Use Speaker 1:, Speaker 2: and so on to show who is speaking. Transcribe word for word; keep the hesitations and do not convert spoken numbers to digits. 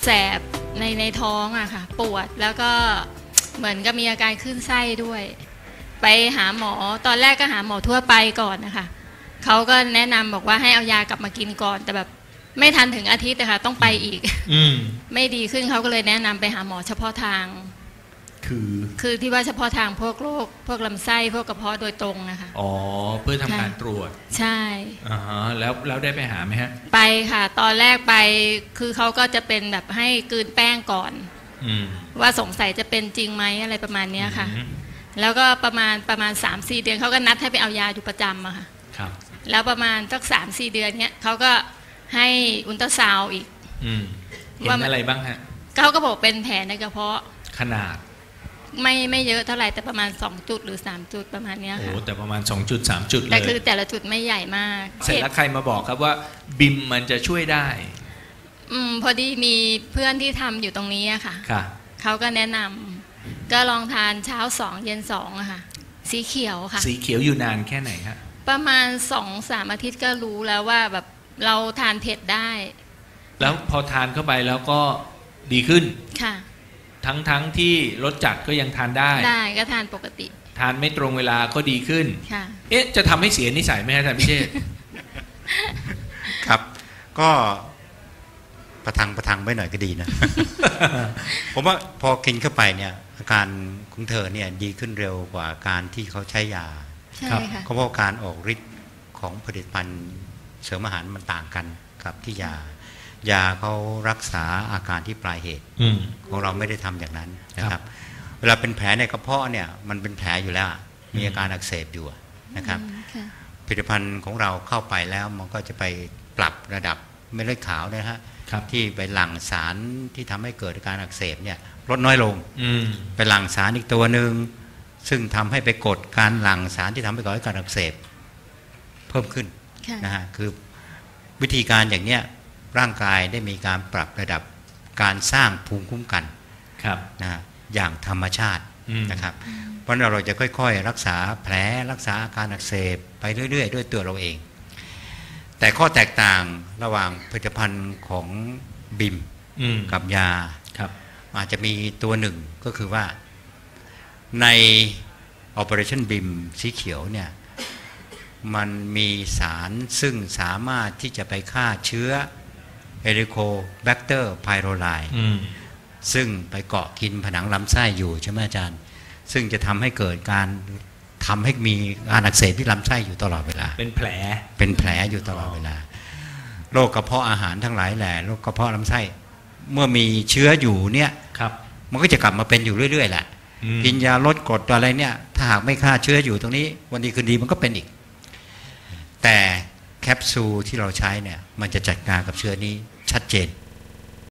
Speaker 1: แสบในในท้องอะค่ะปวดแล้วก็เหมือนกับมีอาการขึ้นไส้ด้วยไปหาหมอตอนแรกก็หาหมอทั่วไปก่อนนะคะเขาก็แนะนำบอกว่าให้เอายากลับมากินก่อนแต่แบบไม่ทันถึงอาทิตย์นะคะต้องไปอีก ไม่ดีขึ้นเขาก็เลยแนะนำไปหาหมอเฉพาะทาง
Speaker 2: คือ
Speaker 1: คือที่ว่าเฉพาะทางพวกโรคพวกลำไส้พวกกระเพาะโดยตรงนะคะ
Speaker 2: อ๋อเพื่อทำการตรวจ
Speaker 1: ใช่
Speaker 2: อ่าฮะแล้วแล้วได้ไปหาไหมฮะ
Speaker 1: ไปค่ะตอนแรกไปคือเขาก็จะเป็นแบบให้กลืนแป้งก่อนว่าสงสัยจะเป็นจริงไหมอะไรประมาณนี้ค่ะแล้วก็ประมาณประมาณ สามสี่ เดือนเขาก็นัดให้ไปเอายาอยู่ประจำอะค่ะ
Speaker 2: ครับ
Speaker 1: แล้วประมาณสัก สามสี่ เดือนเนี้ยเขาก็ให้อุลตราซาวด์อีก
Speaker 2: เห็นอะไรบ้างฮะ
Speaker 1: เขาก็บอกเป็นแผลในกระเพาะ
Speaker 2: ขนาด
Speaker 1: ไม่ไม่เยอะเท่าไหร่แต่ประมาณสองจุดหรือสามจุดประมาณนี้ค่ะ
Speaker 2: โอ้แต่ประมาณสองจุดสามจุดเลย
Speaker 1: แต่คือแต่ละจุดไม่ใหญ่มาก
Speaker 2: เสร็จแล้วใครมาบอกครับว่าบิมมันจะช่วยได้
Speaker 1: อืมพอดีมีเพื่อนที่ทำอยู่ตรงนี้อะค่ะ
Speaker 2: ค่ะ
Speaker 1: เขาก็แนะนำก็ลองทานเช้าสองเย็นสองอะค่ะสีเขียวค่ะ
Speaker 2: สีเขียวอยู่นานแค่ไหนฮะ
Speaker 1: ประมาณสองสามอาทิตย์ก็รู้แล้วว่าแบบเราทานเผ็ดได้
Speaker 2: แล้วพอทานเข้าไปแล้วก็ดีขึ้น
Speaker 1: ค่ะ
Speaker 2: ทั้งทั้งที่รสจัดก็ยังทานได้
Speaker 1: ได้ก็ทานปกติ
Speaker 2: ทานไม่ตรงเวลาก็ดีขึ้น
Speaker 1: ค่ะ
Speaker 2: เอ๊ะจะทำให้เสียนิสัยไหมอาจารย์พิเชษ
Speaker 3: ครับก็ประทังประทังไว้หน่อยก็ดีนะ ผมว่าพอกินเข้าไปเนี่ยอาการของเธอเนี่ยดีขึ้นเร็วกว่าการที่เขาใช้ยา
Speaker 1: ใช่ค่ะ
Speaker 3: เพราะว่าการออกฤทธิ์ของผลิตภัณฑ์เสริมอาหารมันต่างกันกับที่ยายาเขารักษาอาการที่ปลายเหตุของเราไม่ได้ทำอย่างนั้นนะครับเวลาเป็นแผลในกระเพาะเนี่ยมันเป็นแผลอยู่แล้วมีอาการอักเสบอยู่นะครับผลิตภัณฑ์ของเราเข้าไปแล้วมันก็จะไปปรับระดับเม็ดเลือดขาวนะฮะที่ไปหลั่งสารที่ทำให้เกิดอาการอักเสบเนี่ยลดน้อยลงไปหลั่งสารอีกตัวหนึ่งซึ่งทำให้ไปกดการหลั่งสารที่ทำให้เกิดอาการอักเสบเพิ่มขึ้นนะฮะคือวิธีการอย่างเนี้ยร่างกายได้มีการปรับระดับการสร้างภูมิคุ้มกันนะฮะอย่างธรรมชาตินะครับเพราะเราจะค่อยๆรักษาแผลรักษาอาการอักเสบไปเรื่อยๆด้วยตัวเราเองแต่ข้อแตกต่างระหว่างผลิตภัณฑ์ของบิมกับยาอาจจะมีตัวหนึ่งก็คือว่าใน Operation บิมสีเขียวเนี่ยมันมีสารซึ่งสามารถที่จะไปฆ่าเชื้อเฮลิโคแบคเตอร์ไพโรไลซึ่งไปเกาะกินผนังลำไส้อยู่ใช่ไหมอาจารย์ซึ่งจะทำให้เกิดการทำให้มีการอักเสบที่ลำไส้อยู่ตลอดเวลา
Speaker 2: เป็นแผล
Speaker 3: เป็นแผลอยู่ตลอดเวลาโรคกระเพาะอาหารทั้งหลายแหละโรคกระเพาะลำไส้เมื่อมีเชื้ออยู่เนี่ยมันก็จะกลับมาเป็นอยู่เรื่อยๆแหละกินยาลดกรดอะไรเนี่ยถ้าหากไม่ฆ่าเชื้ออยู่ตรงนี้วันดีคืนดีมันก็เป็นอีกแต่แคปซูลที่เราใช้เนี่ยมันจะจัดการกับเชื้อนี้ชัดเจน